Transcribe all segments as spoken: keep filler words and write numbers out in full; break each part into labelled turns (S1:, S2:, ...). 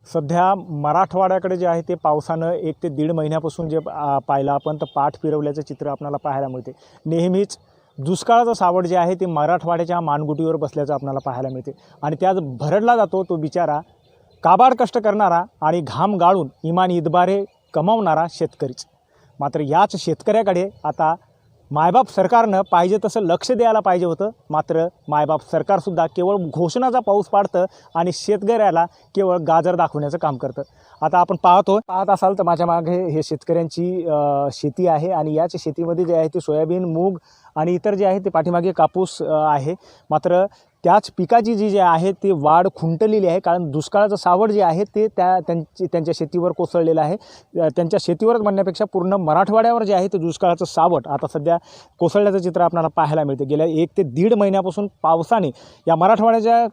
S1: सध्या मराठवाड्याकडे जे आहे ते पावसानं एक ते दीड महिन्यापासून जे पाहिलं आपण तर पाठ फिरवल्याचं चित्र आपल्याला पाहायला मिळते। नेहमीच दुष्काळाचं सावट जे आहे ते मराठवाड्याच्या मानगुटीवर बसल्याचं आपल्याला पाहायला मिळते आणि त्याच भरडला जातो तो बिचारा काबाड कष्ट करणारा आणि घाम गाळून इमान इतबारे कमावणारा शेतकरीच। मात्र याच शेतकऱ्याकडे आता मायबाप सरकारनं पाहिजे तसं लक्ष द्यायला पाहिजे होतं, मात्र मायबाप सरकारसुद्धा केवळ घोषणाचा पाऊस पाडतं आणि शेतकऱ्याला केवळ गाजर दाखवण्याचं काम करतं। आता आपण पाहतो पाहत असाल तर माझ्या मागे हे शेतकऱ्यांची शेती आहे आणि याच शेतीमध्ये जे आहे ते सोयाबीन, मूग आणि इतर जे आहे ते पाठीमागे कापूस आहे। मात्र त्याच पिकाची जी जे आहे ती वाढ खुंटलेली आहे, कारण दुष्काळाचं सावट जे आहे ते त्या त्यांची त्यांच्या शेतीवर कोसळलेलं आहे। त्यांच्या शेतीवरच म्हणण्यापेक्षा पूर्ण मराठवाड्यावर जे आहे ते दुष्काळाचं सावट आता सध्या कोसळल्याचं चित्र आपल्याला पाहायला मिळते। गेल्या एक ते दीड महिन्यापासून पावसाने या मराठवाड्याच्या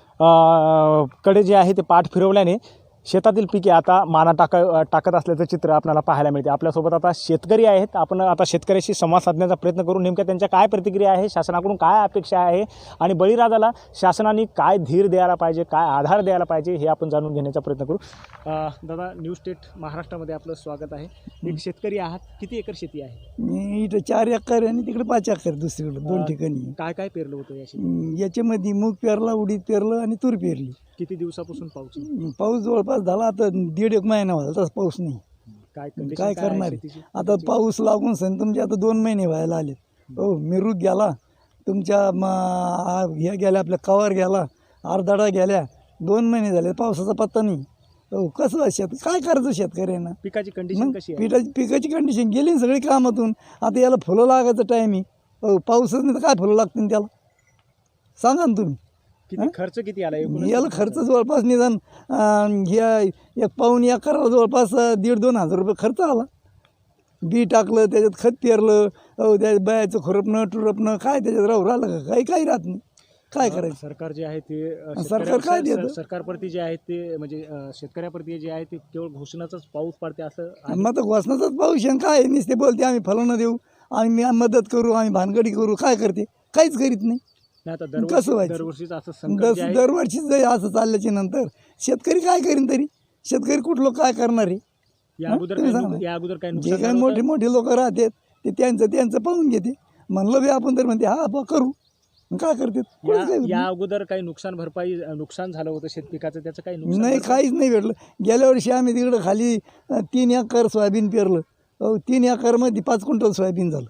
S1: कडे जे आहे ते पाठ फिरवल्याने शेतातील पिके आता माना टाक टाकत असल्याचं चित्र आपल्याला पाहायला मिळते। आपल्यासोबत आता शेतकरी आहेत, आपण आता शेतकऱ्याशी संवाद साधण्याचा प्रयत्न करू। नेमक्या त्यांच्या काय प्रतिक्रिया आहे, शासनाकडून काय अपेक्षा आहे आणि बळीराजाला शासनाने काय धीर द्यायला पाहिजे, काय आधार द्यायला पाहिजे हे आपण जाणून घेण्याचा प्रयत्न करू। दादा, न्यूज स्टेट महाराष्ट्रामध्ये आपलं स्वागत आहे। एक शेतकरी आहात, किती एकर शेती आहे?
S2: मी इथं चार एकर आणि तिकडे पाच एकर दुसरीकडे दोन ठिकाणी।
S1: काय काय पेरलं होतं या शेतीत?
S2: याच्यामध्ये मूग पेरला, उडीद पेरलं आणि तूर पेरली।
S1: किती दिवसापासून पाऊस?
S2: पाऊस जवळपास झाला आता दीड एक महिना व्हायला, तसा पाऊस नाही।
S1: काय
S2: काय करणार आहे आता? पाऊस लागून सण तुमचे आता दोन महिने व्हायला आले। हो, मिरूग गेला तुमच्या, ह्या गेल्या आपल्या कवर गेला, आरदाडा गेल्या, दोन महिने झाले पावसाचा पत्ता नाही। हो, कसं शेत काय करायचं शेतकऱ्यांना? पिकाची कंडिशन कशी आहे? पिकाची पिकाची कंडिशन गेली ना सगळी कामातून। आता याला फुलं लागायचं टाईम आहे। हो, पाऊसच नाही तर काय फुलं लागतील त्याला? सांगा ना तुम्ही।
S1: किती खर्च किती आला
S2: याला? खर्च जवळपास निदान ह्या एक पाऊण एकराला जवळपास दीड दोन हजार रुपये खर्च आला। बी टाकलं, त्याच्यात खत पेरलं, हो त्या बायाचं खुरपणं टुरपणं काय त्याच्यात राहू राहिलं का? काही काही राहत नाही। काय करायचं?
S1: सरकार जे आहे ते
S2: सरकार काय देतं?
S1: सरकारप्रती जे आहे ते म्हणजे शेतकऱ्याप्रती जे आहे ते केवळ घोषणाचाच पाऊस पडते असं।
S2: मग तर घोषणाचाच पाऊस आहे काय? नुसते बोलते आम्ही फलनं देऊ, आम्ही मदत करू, आम्ही भानगडी करू, काय करते? काहीच करीत नाही। कसं व्हायचं?
S1: दरवर्षीच असं
S2: दर दरवर्षीच जर असं चालल्याच्या नंतर शेतकरी काय करीन तरी? शेतकरी कुठलं काय करणार आहे?
S1: या अगोदर काय
S2: जे काही मोठे मोठे लोक राहतात ते त्यांचं त्यांचं पाहून घेते। म्हणलं बी आपण तर म्हणते हा करू, काय करते?
S1: या अगोदर काही नुकसान भरपाई नुकसान झालं होतं शेतपिकाचं, त्याचं काही नुकसान
S2: नाही, काहीच नाही भेटलं। गेल्या वर्षी आम्ही तिकडं खाली तीन एकर सोयाबीन पेरलं, हो तीन एकरमध्ये पाच क्विंटल सोयाबीन झालं।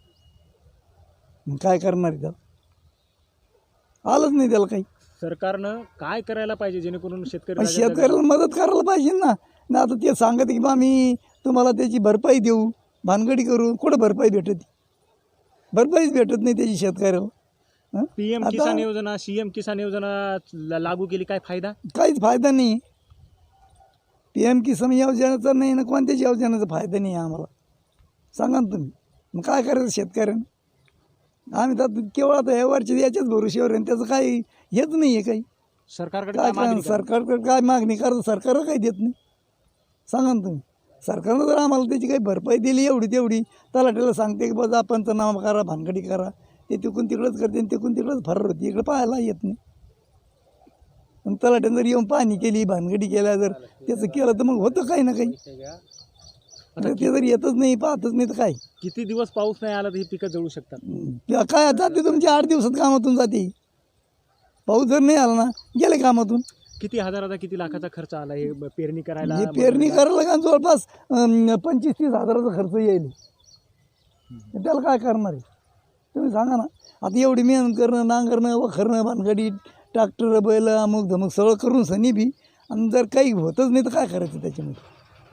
S2: काय करणार आहे? त्याला आलंच नाही त्याला काही।
S1: सरकारनं काय करायला पाहिजे जेणेकरून शेतकरी
S2: शेतकऱ्याला मदत करायला पाहिजे ना। ना आता ते सांगत की बा आम्ही तुम्हाला त्याची भरपाई देऊ, भानगडी करू, कुठं भरपाई भेटत? भरपाईच भेटत नाही त्याची शेतकऱ्याला।
S1: पीएम किसान योजना, सीएम किसान योजना लागू केली, काय फायदा? काहीच
S2: फायदा नाही। पीएम किसान योजनेचा नाही ना, कोणत्याच योजनेचा फायदा नाही आम्हाला। सांगा ना तुम्ही, मग काय करायचं शेतकऱ्यांना? आम्ही तर केवळ आता या वर्षी याच्याच भरोश्यावर आहे, त्याचं काही हेच नाही आहे काही।
S1: सरकारकडे
S2: काय सरकारकडे काय मागणी करायचं? सरकार काही देत नाही। सांगा ना तुम्ही, सरकारनं जर आम्हाला त्याची काही भरपाई दिली एवढी तेवढी, तलाठ्याला सांगते की बाबा पंचनामा करा, भानगडी करा, ते तिकून तिकडंच करते आणि तिकून तिकडंच फरार होती, इकडे पाहायला येत नाही। आणि तलाठ्यानं जर येऊन पाहणी केली, भानगडी केल्या, जर त्याचं केलं तर मग होतं काही ना काही। ते जर येतच नाही, पाहतच नाही तर काय?
S1: किती दिवस पाऊस नाही आला तर ही पिकं जळू शकतात?
S2: काय जाते तुमची आठ दिवसात कामातून जाते। पाऊस जर नाही आला ना, गेले कामातून।
S1: किती हजाराचा किती लाखाचा खर्च आला हे पेरणी करायला?
S2: हे पेरणी करायला का जवळपास पंचवीस तीस हजाराचा खर्च येईल। त्याला काय करणार आहे तुम्ही सांगा ना? आता एवढी मेहनत करणं, नांगरणं, वखरणं, भानगडी, ट्रॅक्टर, बैल, अमुक धमक सगळं करून सनी बी, आणि जर काही होतच नाही तर काय करायचं त्याच्यामध्ये?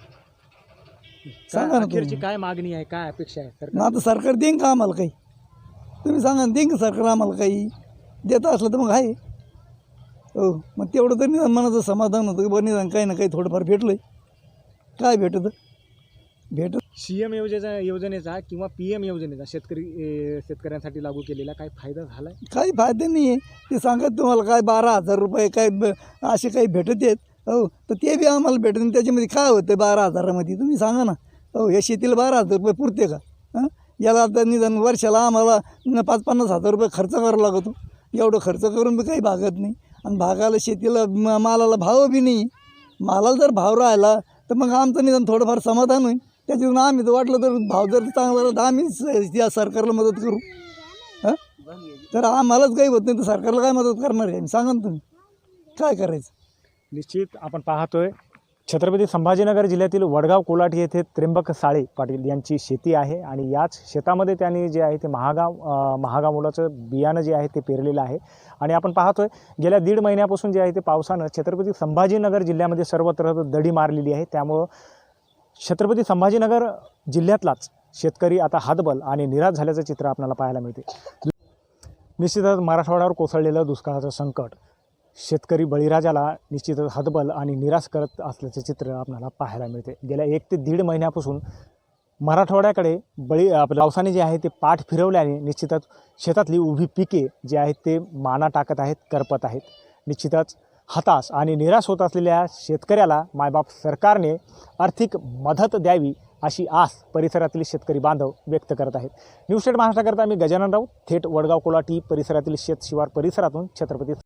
S2: सांगा ना
S1: अखेरची काय मागणी आहे, काय अपेक्षा आहे?
S2: ना आता सरकार देईन का आम्हाला काही? तुम्ही सांगा ना, देईन का सरकार आम्हाला काही? देत असलं तर मग आहे। हो, मग तेवढं तरी निदान मनाचं समाधान होतं की बरं निदान काही ना काही थोडंफार भेटलंय। काय भेटतं? भेटत
S1: सीएम योजनेचा योजनेचा किंवा पीएम योजनेचा शेतकरी शेतकऱ्यांसाठी लागू केलेला काय फायदा झाला?
S2: काही फायदा नाही आहे। ते सांगत तुम्हाला काय बारा हजार रुपये काय असे काही भेटत आहेत। हो, तर ते बी आम्हाला भेटत नाही। त्याच्यामध्ये काय होतं बारा हजारामध्ये? तुम्ही सांगा ना। हो, या शेतीला बारा हजार रुपये पुरते का? हां, याला आता निदान वर्षाला आम्हाला पाच पन्नास हजार रुपये खर्च करावा लागतो। एवढं खर्च करून बी काही भागत नाही, आणि भागाला शेतीला मालाला भाव बी नाही। मालाला जर भाव राहिला तर मग आमचं निदान थोडंफार समाधान होईल. त्याच्यातून आम्ही तर वाटलं तर भाव जर चांगला राहिला तर आम्हीच या सरकारला मदत करू. हां तर आम्हालाच काही होत नाही तर सरकारला काय मदत करणार आहे सांगा ना तुम्ही काय करायचं.
S1: निश्चित आपण पाहतोय छत्रपती संभाजीनगर जिल्ह्यातील वडगाव कोलाटी येथे त्र्यंबक साळे पाटील यांची शेती आहे आणि याच शेतामध्ये त्यांनी जे आहे ते महागाव अ, महागाव मुलाचं बियाणं जे आहे ते पेरलेलं आहे. आणि आपण पाहतोय गेल्या दीड महिन्यापासून जे आहे ते पावसानं छत्रपती संभाजीनगर जिल्ह्यामध्ये सर्वत्र दडी मारलेली आहे. त्यामुळं छत्रपती संभाजीनगर जिल्ह्यातलाच शेतकरी आता हतबल आणि निराश झाल्याचं चित्र आपल्याला पाहायला मिळते. निश्चितच मराठवाड्यावर कोसळलेलं दुष्काळाचं संकट शेतकरी बळीराजाला निश्चितच हतबल आणि निराश करत असल्याचं चित्र आपल्याला पाहायला मिळते. गेल्या एक ते दीड महिन्यापासून मराठवाड्याकडे बळी आपल्या पावसाने जे आहे ते पाठ फिरवल्याने निश्चितच शेतातली उभी पिके जे आहेत ते माना टाकत आहेत, करपत आहेत. निश्चितच हताश आणि निराश होत असलेल्या शेतकऱ्याला मायबाप सरकारने आर्थिक मदत द्यावी अशी आस परिसरातील शेतकरी बांधव व्यक्त करत आहेत. न्यूज स्टेट महाराष्ट्राकरता मी गजानन राऊत थेट वडगाव कोलाटी परिसरातील शेत शिवार परिसरातून छत्रपती